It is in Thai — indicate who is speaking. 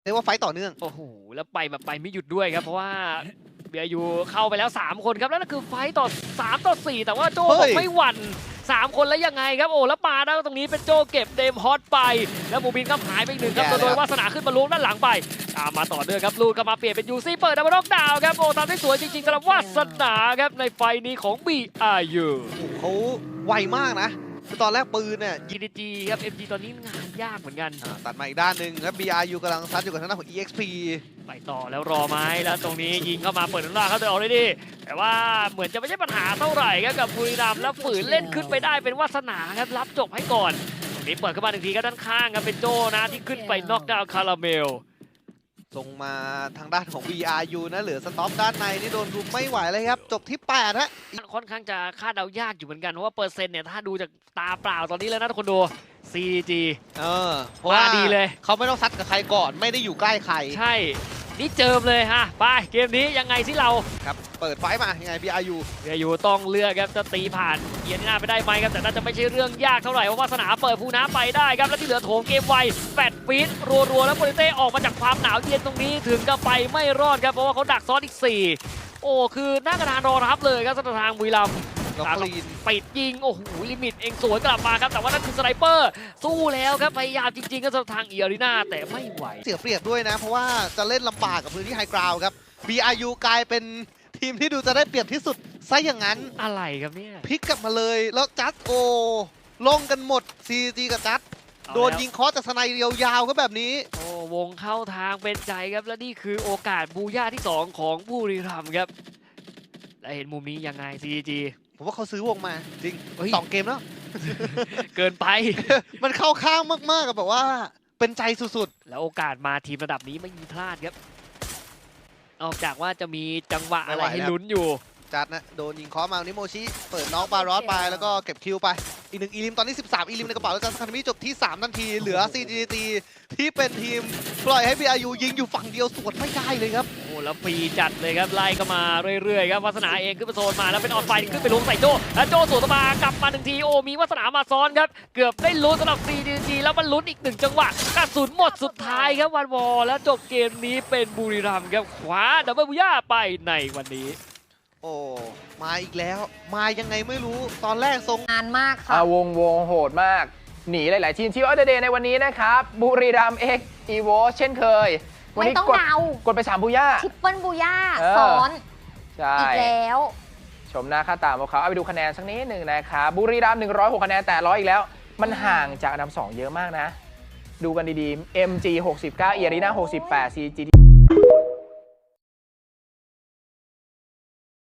Speaker 1: เรียกว่าไฟต์ต่อเนื่อง
Speaker 2: โอ้โหแล้วไปแบบไปไม่หยุดด้วยครับเพราะว่าเบียร์ยูเข้าไปแล้ว3คนครับแล้วนั่นคือไฟต์ต่อ3 ต่อ 4แต่ว่าโจบอกไม่หวั่น3 คนแล้วยังไงครับโอ้แล้วปาได้ตรงนี้เป็นโจเก็บเดมฮอตไปแล้วบูบินก็หายไปอีก1ครับโดยวาสนาขึ้นมาล้วงด้านหลังไปตามมาต่อเนื่องครับลูดเข้ามาเปลี่ยนเป็นยูซี่เปิดดับเบิลน็อกดาวน์ครับโอ้ทำได้สวยจริงๆสำหรับวาสนาครับในไฟนี้ของ BRU
Speaker 1: เขาไวมากนะคือตอนแรกปืนเนี่ย
Speaker 2: GDG ครับ MG ตอนนี้งานยากเหมือนกัน
Speaker 1: ตัดมาอีกด้านหนึ่งครับ BRU กำลังซัดอยู่กับทางด้านของ EXP
Speaker 2: ไปต่อแล้วรอไหมแล้วตรงนี้ยิงเข้ามาเปิดหน้าเขาจะออกได้ดีแต่ว่าเหมือนจะไม่ใช่ปัญหาเท่าไหร่ครับกับบุรีรัมย์แล้วฝืนเล่นขึ้นไปได้เป็นวาสนาครับรับจบให้ก่อนตรงนี้เปิดเข้ามา1 ทีก็ด้านข้างครับเป็นโจนะที่ขึ้นไปน็อกดาวน์คาราเมล
Speaker 1: ส่งมาทางด้านของ BRU นะเหลือสต็อปด้านในนี่โดนรุมไม่ไหวเลยครับจบที่8ฮะ
Speaker 2: ค่อนข้างจะคาดเดายากอยู่เหมือนกันเพราะว่าเปอร์เซ็นต์เนี่ยถ้าดูจากตาเปล่าตอนนี้แล้วนะทุกคนดู CG
Speaker 1: เพราะว่า
Speaker 2: ดีเลย
Speaker 1: เขาไม่ต้องซัดกับใครก่อนไม่ได้อยู่ใกล้ใคร
Speaker 2: ใช่นี่เจิมเลยฮะไปเกมนี้ยังไงสิเรา
Speaker 1: ครับเปิดไฟมายังไง BRU
Speaker 2: อยู่ต้องเลือกครับจะตีผ่านเอียนหน้าไปได้ไหมครับแต่น่าจะไม่ใช่เรื่องยากเท่าไหร่เพราะว่าสนามเปิดภูน้ำไปได้ครับแล้วที่เหลือโถมเกมไว8 ฟีตรัวๆแล้วโปรเต้ออกมาจากความหนาวเย็นตรงนี้ถึงกับไปไม่รอดครับเพราะว่าเขาดักซ้อนอีก4โอ้คือหน้ากระดานรอรับเลยครับสถานทางบุรีรัมย์ปิดยิงโอ้โหลิมิตเองสวนกลับมาครับแต่ว่านั่นคือสไนเปอร์สู้แล้วครับพยายามจริงๆก็สทางอีอารีนาแต่ไม่ไหว
Speaker 1: เสียเปรียบด้วยนะเพราะว่าจะเล่นลำบากกับพื้นที่ไฮกราวด์ครับ BRU กลายเป็นทีมที่ดูจะได้เปรียบที่สุดซะอย่างนั้น
Speaker 2: อะไรครับเนี่ย
Speaker 1: พลิกกลับมาเลยแล้วจัดลงกันหมด CG กับจัดโดนยิงคอจากสไนเรียวยาวก็แบบนี้
Speaker 2: โอ้วงเข้าทางเป็นใจครับและนี่คือโอกาสบูย่าที่2ของบุรีรัมย์ครับและเห็นมุมนี้ยังไง CG
Speaker 1: ผมว่าเขาซื้อวงมาจริง2 เกมแล้ว
Speaker 2: เกินไป
Speaker 1: มันเข้าข้างมากๆกับแบบว่าเป็นใจสุด
Speaker 2: ๆแล้วโอกาสมาทีมระดับนี้ไม่มีพลาดครับนอกจากว่าจะมีจังหวะอะไรให้ลุ้นอยู่
Speaker 1: จัดนะโดนยิงเคาะมานิโมชิเปิดน้องบารอสไปแล้วก็เก็บคิวไปอีก1 อีลิมตอนนี้13 อีลิมในกระเป๋าแล้วจันคาร์มิจบที่3 นาทีเหลือ CGT ที่เป็นทีมปล่อยให้ BRU ยิงอยู่ฝั่งเดียวสวนไม่ได้เลยครับ
Speaker 2: โอ้แล้วฟรีจัดเลยครับไล่ก็มาเรื่อยๆครับวาสนาเองขึ้นไปโซนมาแล้วเป็นออนไฟขึ้นไปลงใส่โจแล้วโจสวนมากลับมา1 ทีโอ้มีวาสนามาซ้อนครับเกือบได้ลุ้นสำหรับ CGT แล้วมันลุ้นอีก1 จังหวะกระสุนหมดสุดท้ายครับวันวอลแล้วจบเกมนี้เป็นบุรีรัมย์ครับคว้าดับเบิลบูย่าไปในวันนี้
Speaker 1: โอ้มาอีกแล้วมายังไงไม่รู้ตอนแรกทรง
Speaker 3: งานมากค่ะ
Speaker 4: วงโหดมากหนีหลายๆทีมที่ออเดอร์เดย์ในวันนี้นะครับบุรีรัมย์เอ็กอีโวเช่นเคย
Speaker 3: วันนี้
Speaker 4: กดไป3 บูย่า
Speaker 3: ทริปเปิลบูย่าซ้อน
Speaker 4: ใช่
Speaker 3: อีกแล้ว
Speaker 4: ชมหน้าค่าตาของเขาเอาไปดูคะแนนสักนิดหนึ่งนะครับบุรีรัมย์106 คะแนนแต่100อีกแล้วมันห่างจากอันดับ2เยอะมากนะดูกันดีๆ MG 69 เอียรีนา68 CG